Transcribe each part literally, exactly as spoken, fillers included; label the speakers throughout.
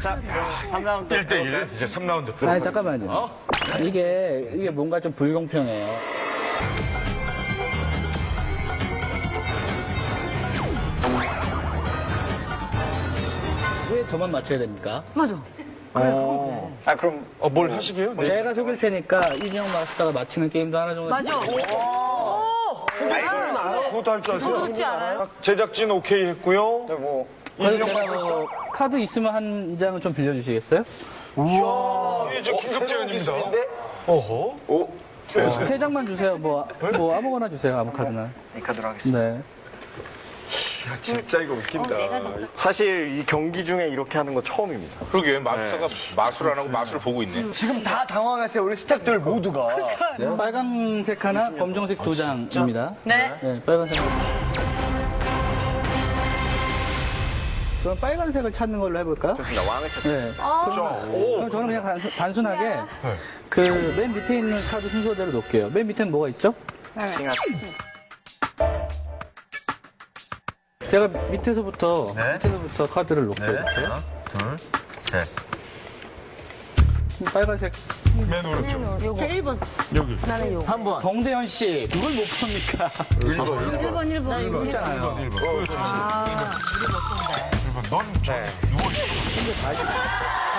Speaker 1: 자, 삼 라운드.
Speaker 2: 일 대 일. 이제 삼 라운드.
Speaker 3: 아니, 잠깐만요.
Speaker 2: 어?
Speaker 3: 이게, 이게 뭔가 좀 불공평해요. 왜 저만 맞춰야 됩니까?
Speaker 4: 맞아.
Speaker 1: 어. 아, 그럼
Speaker 2: 어, 뭘 하시게요? 네.
Speaker 3: 제가 속일 테니까 이진영 마스터가 맞히는 게임도 하나 정도.
Speaker 4: 맞아.
Speaker 2: 그것도 할 줄 아세요?
Speaker 4: 그렇지 않아요?
Speaker 2: 제작진 오케이 했고요.
Speaker 1: 뭐
Speaker 3: 그래서
Speaker 2: 이진영
Speaker 3: 제가
Speaker 2: 마스터.
Speaker 3: 뭐 카드 있으면 한 장은 좀 빌려주시겠어요?
Speaker 2: 이야, 이게 저 긴급 제안입니다. 어허.
Speaker 1: 오.
Speaker 3: 세 장만 주세요. 뭐, 뭐 아무거나 주세요. 아무 카드나.
Speaker 1: 이 카드로 하겠습니다.
Speaker 3: 네.
Speaker 2: 진짜 이거 웃긴다.
Speaker 1: 사실 이 경기 중에 이렇게 하는 거 처음입니다.
Speaker 2: 그러게, 마술사가 마술 안 하고 마술을 보고 있네.
Speaker 5: 지금 다 당황하세요. 우리 스태프들 모두가.
Speaker 3: 빨간색 하나, 검정색 두 장입니다.
Speaker 4: 네.
Speaker 3: 네, 빨간색. 그럼 빨간색을 찾는 걸로 해볼까요?
Speaker 1: 좋습니다. 왕을 찾습니다.
Speaker 3: 네.
Speaker 2: 그렇죠.
Speaker 3: 그럼 저는 그냥 단순, 단순하게 그 맨 밑에 있는 카드 순서대로 놓을게요. 맨 밑에는 뭐가 있죠?
Speaker 1: 킹하트.
Speaker 3: 제가 밑에서부터 밑에서부터 카드를 놓을게요. 이렇게.
Speaker 2: 둘, 셋.
Speaker 3: 빨간색
Speaker 2: 맨 오른쪽.
Speaker 4: 자, 일 번.
Speaker 2: 여기.
Speaker 4: 나는 요거.
Speaker 3: 삼 번. 정대현 씨, 그걸 못 봅니까?
Speaker 2: 일 번, 일 번.
Speaker 4: 일 번, 일 번.
Speaker 3: 이거 있잖아요.
Speaker 2: 일 번. 그렇지. 일 번. 넌 저, 누워있어.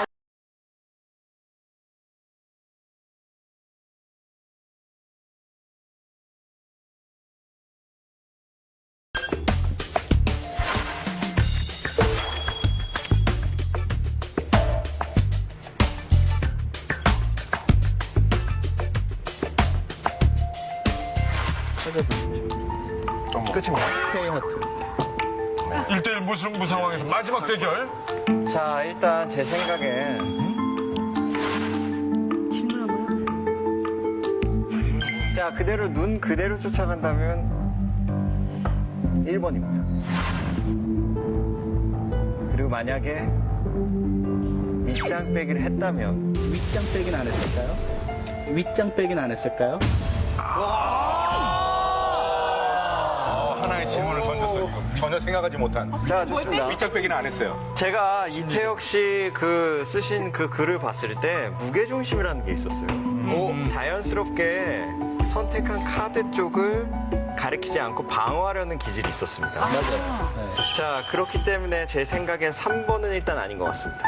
Speaker 1: 끝입니다.
Speaker 3: K 하트.
Speaker 2: 일 대 일 무승부 상황에서 마지막 대결.
Speaker 1: 자, 일단 제 생각엔
Speaker 4: 질문 한번 해보세요.
Speaker 1: 자, 그대로 눈 그대로 쫓아간다면 일 번입니다. 그리고 만약에 밑장 빼기를 했다면
Speaker 3: 윗장 빼기는 안 했을까요? 윗장 빼기는 안 했을까요?
Speaker 2: 어, 하나의 질문을 던졌어요. 이거. 전혀 생각하지 못한.
Speaker 1: 자, 좋습니다.
Speaker 2: 밑장 빼기는 안 했어요.
Speaker 1: 제가 이태혁 씨 그 쓰신 그 글을 봤을 때 무게중심이라는 게 있었어요.
Speaker 2: 음.
Speaker 1: 자연스럽게 선택한 카드 쪽을 가리키지 않고 방어하려는 기질이 있었습니다.
Speaker 3: 맞아요. 네.
Speaker 1: 자, 그렇기 때문에 제 생각엔 삼 번은 일단 아닌 것 같습니다.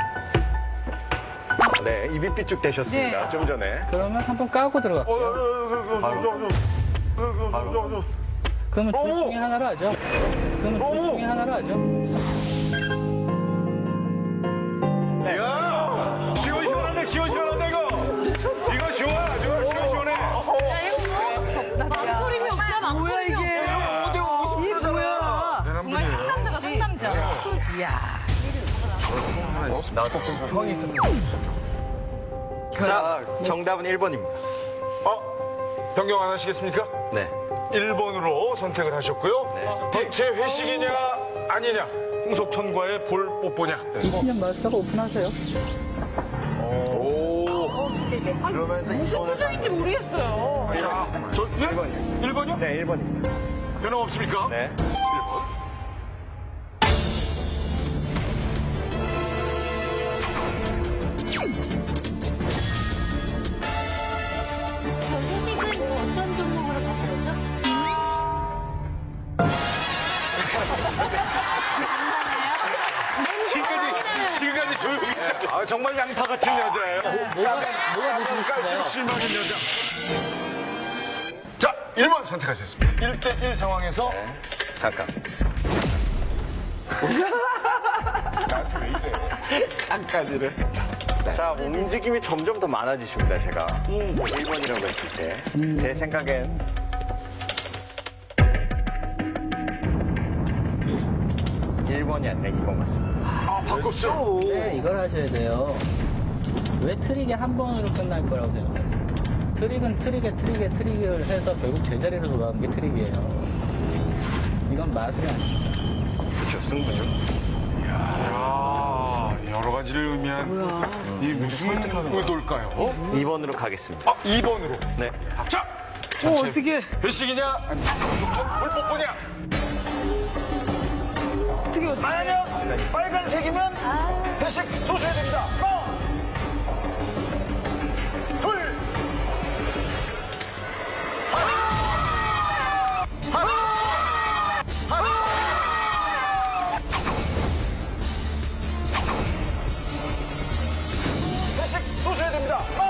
Speaker 1: 네, 입이 삐쭉 되셨습니다.
Speaker 4: 네.
Speaker 1: 좀 전에.
Speaker 3: 그러면 한번 까고 들어갈게요. 그러면 둘
Speaker 2: 어머!
Speaker 3: 중에 하나로 하죠. 그러면 둘
Speaker 2: 어머!
Speaker 3: 중에 하나로 하죠.
Speaker 2: 야! 시원시원한데, 시원시원한데, 이거! 이거 좋아, 좋아, 시원시원해.
Speaker 4: 야, 이거 뭐? 망설임이 없다, 망설임이 없어. 이게 뭐야? 정말 상남자가 상남자. 이야.
Speaker 5: 형이 있었으면.
Speaker 1: 자, 정답은 일 번입니다.
Speaker 2: 어? 변경 안 하시겠습니까?
Speaker 1: 네.
Speaker 2: 일 번으로 선택을 하셨고요.
Speaker 1: 네.
Speaker 2: 대체 회식이냐, 아니냐? 홍석천과의 볼 뽀뽀냐?
Speaker 3: 이진영 마스터가 오픈하세요.
Speaker 2: 오.
Speaker 4: 어, 기대돼. 아,
Speaker 5: 그러면서
Speaker 4: 무슨
Speaker 5: 이번을
Speaker 4: 표정인지 모르겠어요.
Speaker 2: 야, 저, 예?
Speaker 1: 일 번이요.
Speaker 2: 일 번이요?
Speaker 1: 네, 일 번입니다.
Speaker 2: 변함 없습니까?
Speaker 1: 네.
Speaker 2: 일 번.
Speaker 4: 저 회식은 뭐 어떤 종목으로 바꾸죠?
Speaker 2: 지금까지, 지금까지 조용히 했는데. 아, 정말 양파 같은 여자예요.
Speaker 3: 뭐가, 뭐가 보시고 싶어요?
Speaker 2: 깔수록 실망인 여자. 자, 일 번 선택하셨습니다. 일 대 일 상황에서.
Speaker 1: 잠깐.
Speaker 2: 잠깐이를.
Speaker 1: 자, 움직임이 점점 더 많아지십니다, 제가. 일 번이라고 했을 때. 제 생각엔 일 번이 아니라 이 번 같습니다.
Speaker 2: 아, 바꿨어.
Speaker 3: 네, 이걸 하셔야 돼요. 왜 트릭이 한 번으로 끝날 거라고 생각하세요? 트릭은 트릭에 트릭에 트릭을 해서 결국 제자리로 돌아가는 게 트릭이에요. 이건 마술이 아닙니다.
Speaker 1: 그렇죠, 승부죠.
Speaker 2: 야, 여러 가지를 의미한 이 무슨 의도일까요?
Speaker 1: 이 번으로 가겠습니다.
Speaker 2: 아, 이 번으로.
Speaker 1: 네.
Speaker 2: 자,
Speaker 4: 어, 어떻게?
Speaker 2: 회식이냐? 홍석천 볼 뽀뽀냐?
Speaker 4: 어떻게, 어떻게.
Speaker 5: 아니요. 빨간색이면 회식 쏘셔야 됩니다.
Speaker 2: 쏘셔야 됩니다.